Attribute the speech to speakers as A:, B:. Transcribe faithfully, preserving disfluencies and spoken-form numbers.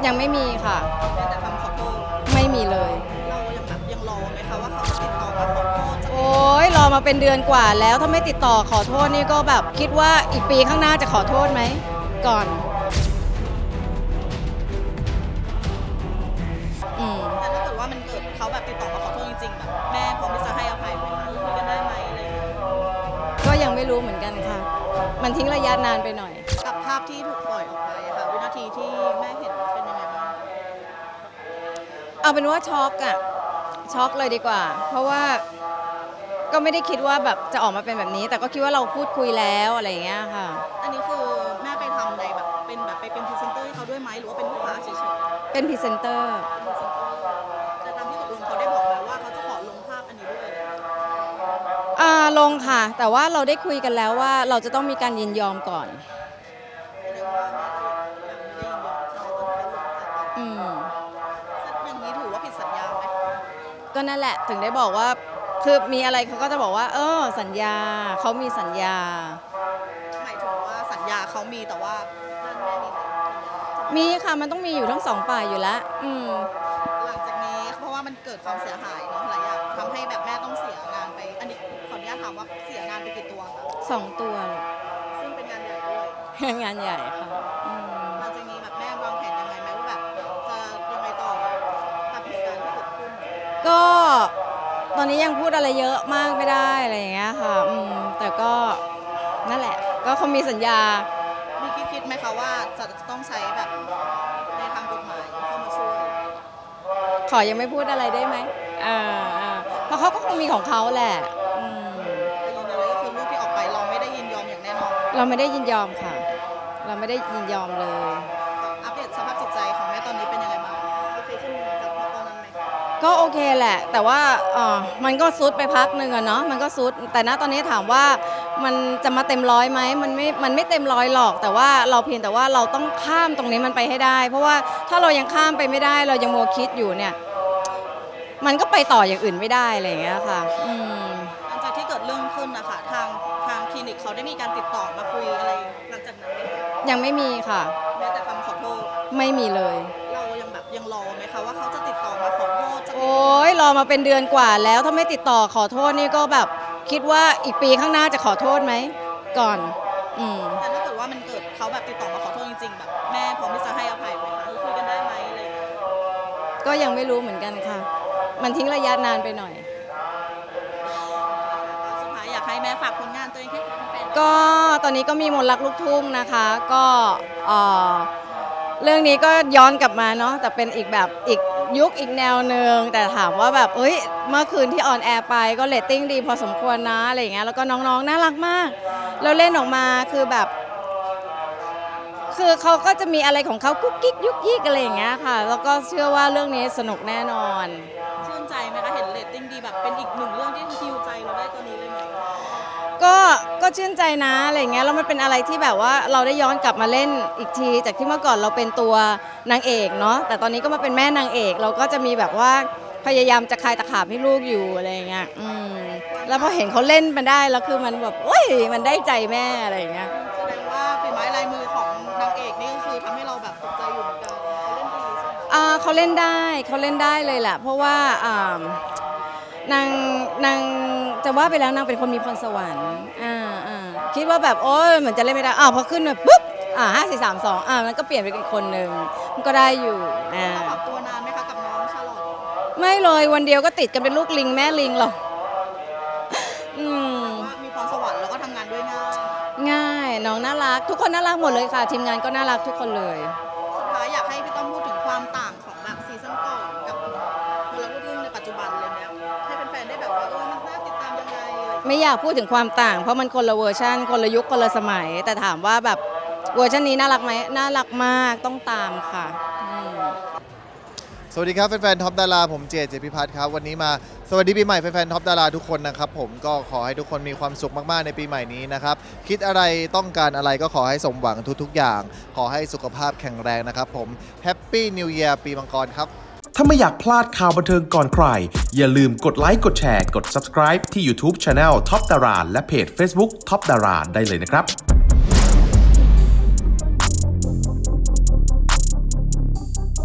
A: ยังไม่มีค่ะ
B: แต่คำขอโทษ
A: ไม่มีเลย
B: เรายังแบบยังรอไหมคะว่าเขาจะติดต่อมาขอโทษ
A: โอ้ยรอมาเป็นเดือนกว่าแล้วถ้าไม่ติดต่อขอโทษนี่ก็แบบคิดว่าอีกปีข้างหน้าจะขอโทษไหมก่อนอืม
B: แต่ถ้าเกิดว่ามันเกิดเขาแบบติดต่อมาขอโทษจริงๆแบบแม่พร้อมที่จะให้อภัยไหมคะคุยกันได้ไหมอะไรอย่างเงี้ย
A: ก็ยังไม่รู้เหมือนกันค่ะมันทิ้งระยะนานไปหน่อย
B: กับภาพที่ถูกปล่อยออกไปอะค่ะวินาทีที่แม่เห็นเป็นยังไงบ้าง
A: เอาเป็นว่าช็อกอะช็อกเลยดีกว่าเพราะว่าก็ไม่ได้คิดว่าแบบจะออกมาเป็นแบบนี้แต่ก็คิดว่าเราพูดคุยแล้วอะไรอย่างเงี้ยค่ะ
B: อันนี้คือแม่ไปทำในแบบเป็นแบบไปเป็นพรีเซนเตอร์ให้เขาด้วยไหมหรือว่าเป็นลูกค้าเฉยๆ
A: เป็นพรีเซนเตอร์
B: แต่ตามที่ตกลงเขาได้บอกไหมว่าเขาจะขอลงภาพอันนี้ด้วย
A: อ่าลงค่ะแต่ว่าเราได้คุยกันแล้วว่าเราจะต้องมีการยินยอมก่อน
B: แสดงว่าแม่ก็ยังไม่ได้ยินยอมใช่ไหมตอนที่เขาลงภาพไป
A: อืม
B: อย่างนี้ถือว่าผิดสัญญาไหม
A: ก็นั่นแหละถึงได้บอกว่าคือมีอะไรเขาก็จะบอกว่าเออสัญญาเขามีสัญญา
B: หมายถึงว่าสัญญาเขามีแต่ว่าด้านแม่มีไหมสัญญา
A: มีค่ะมันต้องมีอยู่ทั้งสองฝ่ายอยู่แล้วอืม
B: หลังจากนี้เพราะว่ามันเกิดความเสียหายเนาะหลายอย่างทำให้แบบแม่ต้องเสียงานไปอันนี้ขออนุญาตถามว่าเสียงานไปกี่ตัวคะ
A: สองตัว
B: ซึ่งเป็นงานใหญ่ด้วย
A: งานใหญ่ค่ะอืม
B: หลังจากนี้แบบแม่วางแผนยังไงไหมว่าแบบจะยังไงต่อกับเหตุการณ์ที่เกิดขึ้น
A: ก็ตอนนี้ยังพูดอะไรเยอะมากไม่ได้อะไรอย่างเงี้ยค่ะอืมแต่ก็นั่นแหละก็เขามีสัญญา
B: มีคิดคิดไหมคะว่าจะต้องใช้แบบในทางกฎหมายเข้ามาช่วย
A: ขอยังไม่พูดอะไรได้ไหมอ่าอ่าเพราะเขาก็คงมีของเขาแหละอืม
B: แต่ยืนยันเลยก็คือรูปที่ออกไปเราไม่ได้ยินยอมอย่างแน่นอน
A: เราไม่ได้ยินยอมค่ะเราไม่ได้ยินยอมเลย
B: อัปเดตสภาพจิตใจของแม่ตอนนี้เป็นยังไงบ้างโอเคขึ้นจากตอนนั้นไหม
A: ก็โอเคแหละแต่ว่าเออมันก็ซุดไปพักหนึ่งอะเนาะมันก็ซุดแต่ณตอนนี้ถามว่ามันจะมาเต็มร้อยไหมมันไม่มันไม่เต็มร้อยหรอกแต่ว่าเราเพียงแต่ว่าเราต้องข้ามตรงนี้มันไปให้ได้เพราะว่าถ้าเรายังข้ามไปไม่ได้เรายังมัวคิดอยู่เนี่ยมันก็ไปต่ออย่างอื่นไม่ได้อะไรอย่างเงี้ยค่ะอืม
B: หลังจากที่เกิดเรื่องขึ้นนะคะทางทางคลินิกเขาได้มีการติดต่อมาคุยอะไรหลังจากนั้นไหม
A: ยังไม่มีค่ะ
B: แม้แต่คำขอโทษ
A: ไม่มีเลย
B: เรายังแบบยังรอไหมคะว่าเขาจะติดต่อมาขอโทษจะ
A: โอ้ยรอมาเป็นเดือนกว่าแล้วถ้าไม่ติดต่อขอโทษนี่ก็แบบคิดว่าอีกปีข้างหน้าจะขอโทษไหมก่อนอืม
B: แต่ถ้าเกิดว่ามันเกิดเขาแบบติดต่อมาขอโทษจริงๆแบบแม่พร้อมที่จะให้อภัยไหมคะคุยกันได้ไหมอะไรอย่างเงี้ย
A: ก็ยังไม่รู้เหมือนกันค่ะมันทิ้งระยะนานไปหน่อย
B: สุดท้ายอยากให้แม่ฝากผลงานตัวเองให้แฟน
A: ก็ตอนนี้ก็มีมนต์รักลูกทุ่งนะคะก็เอ่อเรื่องนี้ก็ย้อนกลับมาเนาะแต่เป็นอีกแบบอีกยุคอีกแนวหนึ่งแต่ถามว่าแบบเอ้ยเมื่อคืนที่ออนแอร์ไปก็เรตติ้งดีพอสมควรนะอะไรอย่างเงี้ยแล้วก็น้องๆน่ารักมากแล้วเล่นออกมาคือแบบคือเขาก็จะมีอะไรของเขากุ๊กกิ๊กยุกยิกอะไรอย่างเงี้ยค่ะแล้วก็เชื่อว่าเรื่องนี้สนุกแน่นอน
B: ชื่นใจไหมคะเห็นเรตติ้งดีแบบเป็นอีกหนึ่งเรื่องที่ฮิวใจเราได้ตอนนี้เลยไหม
A: ก็ก็ชื่นใจนะอะไรเงี้ยแล้วมันเป็นอะไรที่แบบว่าเราได้ย้อนกลับมาเล่นอีกทีจากที่เมื่อก่อนเราเป็นตัวนางเอกเนาะแต่ตอนนี้ก็มาเป็นแม่นางเอกเราก็จะมีแบบว่าพยายามจะคลายตะขาบให้ลูกอยู่อะไรเงี้ยอืมแล้วพอเห็นเขาเล่นมันได้แล้วคือมันแบบโอ้ยมันได้ใจแม่อะไรเงี้ย
B: แสดงว่าฝีไม้ลายมือของนางเอกนี่ก็คือทำให้เราแบบตกใจอยู่เหมือนกันเขาเล่นดีใช่ไหม
A: อ่าเขาเล่นได้เขาเล่นได้เลยแหละเพราะว่าอ่านางนางจะว่าไปแล้วนางเป็นคนมีพรสวรรค์อ่าอ่าคิดว่าแบบโอ้ยเหมือนจะเล่นไม่ได้อ้าวพอขึ้นมาปุ๊บอ่าห้าสี่สามสองอ่ามันก็เปลี่ยนไปอีกคนหนึ่งมันก็ได้อยู่อ่า
B: ปรับตัวนานไหมคะกับน้องชาลอต
A: ไม่เลยวันเดียวก็ติดกันเป็นลูกลิงแม่ลิงหรอกอืม
B: ว่ามีพรสวรรค์แล้วก็ทำงานด้วยง่าย
A: ง่ายน้องน่ารักทุกคนน่ารักหมดเลยค่ะทีมงานก็น่ารักทุกคนเลย
B: สุดท้ายอยากให้พี่ต้อมพูดถึงความต่างของแบบซีซั่นก่อนกับมลลูกทุ่งในปัจจุบันเลยเนี่ยให้แฟนๆได้แบบว่าเออมันน่าติดตามยังไง
A: ไม่อยากพูดถึงความต่างเพราะมันคนละเวอร์ชันคนละยุคคนละสมัยแต่ถามว่าแบบเวอร์ชันนี้น่ารักไหมน่ารักมากต้องตามค่ะ
C: สวัสดีครับแฟนๆท็อปดาราผมเจเจพิพัฒน์ครับวันนี้มาสวัสดีปีใหม่แฟนๆท็อปดาราทุกคนนะครับผมก็ขอให้ทุกคนมีความสุขมากๆในปีใหม่นี้นะครับคิดอะไรต้องการอะไรก็ขอให้สมหวังทุกๆอย่างขอให้สุขภาพแข็งแรงนะครับผมแฮปปี้นิวเยียร์ปีมังกรครับ
D: ถ้าไม่อยากพลาดข่าวบันเทิงก่อนใครอย่าลืมกดไลค์กดแชร์กด ซับสไครบ์ ที่ ยูทูบ Channel ท็อปดาราและเพจ เฟซบุ๊ก ท็อปดาราได้เลยนะครับ